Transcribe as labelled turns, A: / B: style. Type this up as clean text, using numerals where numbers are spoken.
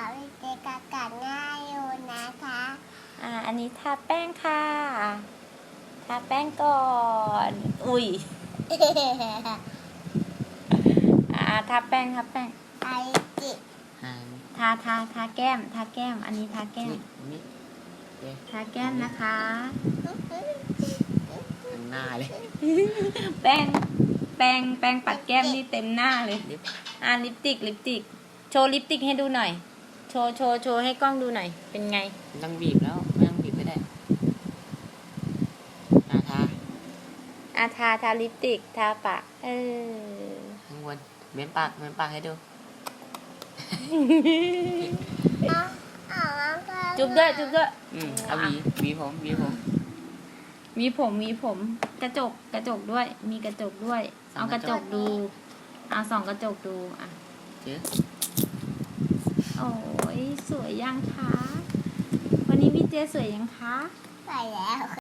A: วิเจกากัดง่ายอยู่นะคะ
B: อันนี้ทาแป้งค่ะ ทาแป้งก่อน อุ้ยทาแป้ง
A: ไอจิ
B: ทาแก้ม อันนี้ทาแก้ม ทาแก้มนะคะ
C: ทั้งหน้าเลย
B: แป้งปัดแก้มนี่เต็มหน้าเลย ลิปติก โชว์ลิปติกให้ดูหน่อย โชว์ให้กล้องดูหน่อย เป็นไง
C: ไม่ต้องบีบแล้วไม่ต้องบีบก็ได้
B: ทาลิปติก ทาปาก
C: ข้างบนเม้มปากให้ดู
B: จุบด้วย
C: เอาหวีผม
B: มีผมกระจกด้วย มีกระจกด้วย เอากระจกดู เอาส่องกระจกดูโอ้ยสวยยังคะ วันนี้พี่เจสวยยังคะ
A: ใส่แล้ว